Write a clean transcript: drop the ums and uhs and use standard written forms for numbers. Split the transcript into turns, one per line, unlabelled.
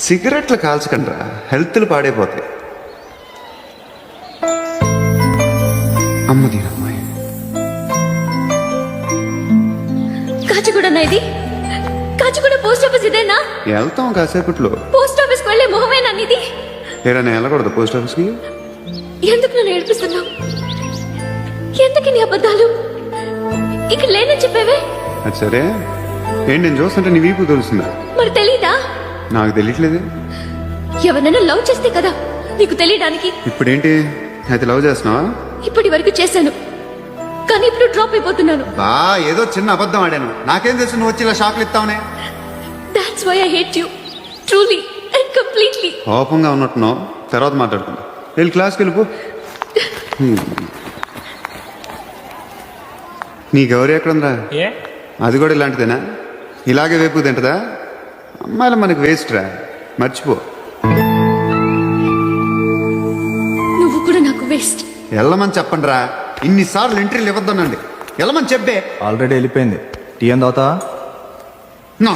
సిగరెట్లు కాల్చకండ్రా, హెల్త్లు పాడైపోతాయి. అమ్మది అమ్మాయి
కాచిగూడ ఇది, కాచిగూడ పోస్ట్ ఆఫీస్ ఇదేనా?
వెళ్తాం కాసేపట్లో.
పోస్ట్ ఆఫీస్కి వెళ్ళే మొహమేనా ఇది?
ఏరా నేను వెళ్ళకూడదు పోస్ట్ ఆఫీస్కి?
ఎందుకు నన్ను ఏడిపిస్తున్నావు? ఎందుకు నీ అబద్ధాలు? ఇక్కడ లేనని చెప్పేవే.
అది సరే, ఏంటి నేను చూస్తుంటే నీ వీపు తెలుస్తుందా?
మరి తెలీదా?
నాకు తెలియట్లేదు.
ఎవరైనా లవ్ చేస్తే కదా నీకు తెలియడానికి.
ఇప్పుడేంటి అయితే లవ్ చేస్తున్నావా?
ఇప్పటి వరకు చేశాను, కానీ ఇప్పుడు డ్రాప్ అయిపోతున్నాను.
బా ఏదో చిన్న అబద్ధం ఆడాను, నాకేం తెలుసు నువ్వు వచ్చి ఇలా షాక్లు ఇస్తావునే.
That's why I hate you truly and completely.
కోపంగా ఉన్నట్టున్నావు, తర్వాత మాట్లాడుకుందాం. వెళ్ళి క్లాస్కి వెళ్ళిపో. నీ గౌరీ ఎక్కడుందా?
ఏ
అది కూడా ఇలాంటిదేనా? ఇలాగే వేపు తింటదా? అమ్మాయిలు మనకి వేస్ట్ రా, మర్చిపో.
నువ్వు కూడా నాకు వేస్ట్.
వెళ్ళమని చెప్పండి రా, ఇన్నిసార్లు ఎంట్రీలు ఇవ్వద్దనండి. వెళ్ళమని చెప్పే.
ఆల్రెడీ వెళ్ళిపోయింది. టీ ఏం తాగుతావా?